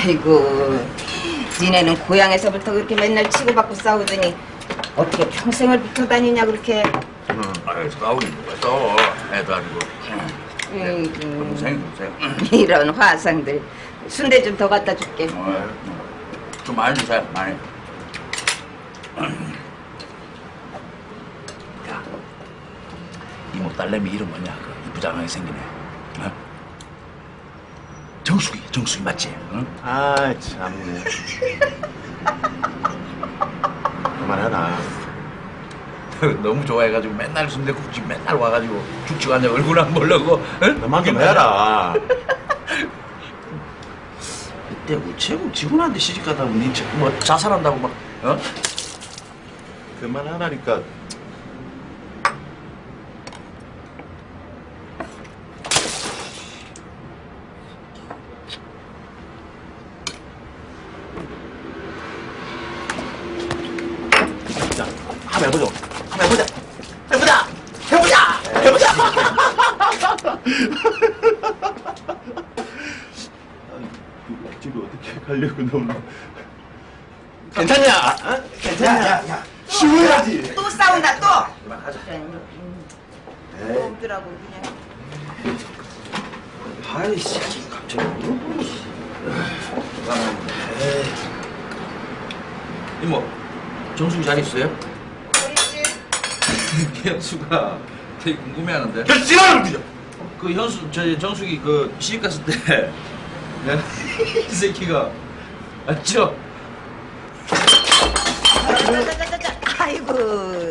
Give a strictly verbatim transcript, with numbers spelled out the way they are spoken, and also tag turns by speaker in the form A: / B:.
A: 아이고, 니네는 고향에서부터 그렇게 맨날 치고받고 싸우더니 어떻게 평생을 붙어 다니냐 그렇게.
B: 응. 아유, 싸우긴 뭐가 싸워. 애도 아니고.
A: 음,
B: 동생, 동생.
A: 이런 화상들. 순대 좀 더 갖다 줄게.
B: 어, 좀 많이 주세요, 많이. 야, 이모 딸내미 이름 뭐냐? 그 이쁘장하게 생기네. 어? 정수기, 정수기 맞지? 응?
C: 아 참네. 그만해라.
B: 너무 좋아해가지고 맨날 순대국집 맨날 와가지고 죽지도 않냐 얼굴 안 보려고. 응?
C: 그만 좀 해라.
B: 그때 우체국 직원한테 시집가다 보니 뭐 자살한다고 막 어?
C: 그만하라니까. 자, 한번 해보자. 한번 해보자. 해보자. 해보자. 해보자. 집에 어떻게 가려고 너무. 괜찮냐? 어? 괜찮냐? 야, 야, 야. 쉬어야지.
A: 또 싸운다 또.
B: 그만하자.
A: 또 오더라고 그냥.
B: 아이씨 갑자기 이모 정수기 잘 있어요?
A: 우리
B: 현수가 되게 궁금해하는데.
C: 야, 지랄을 그죠?
B: 그 현수 저 정수기 그 시집 갔을 때 이 새끼가 맞죠?
A: 자자자자자. 아이고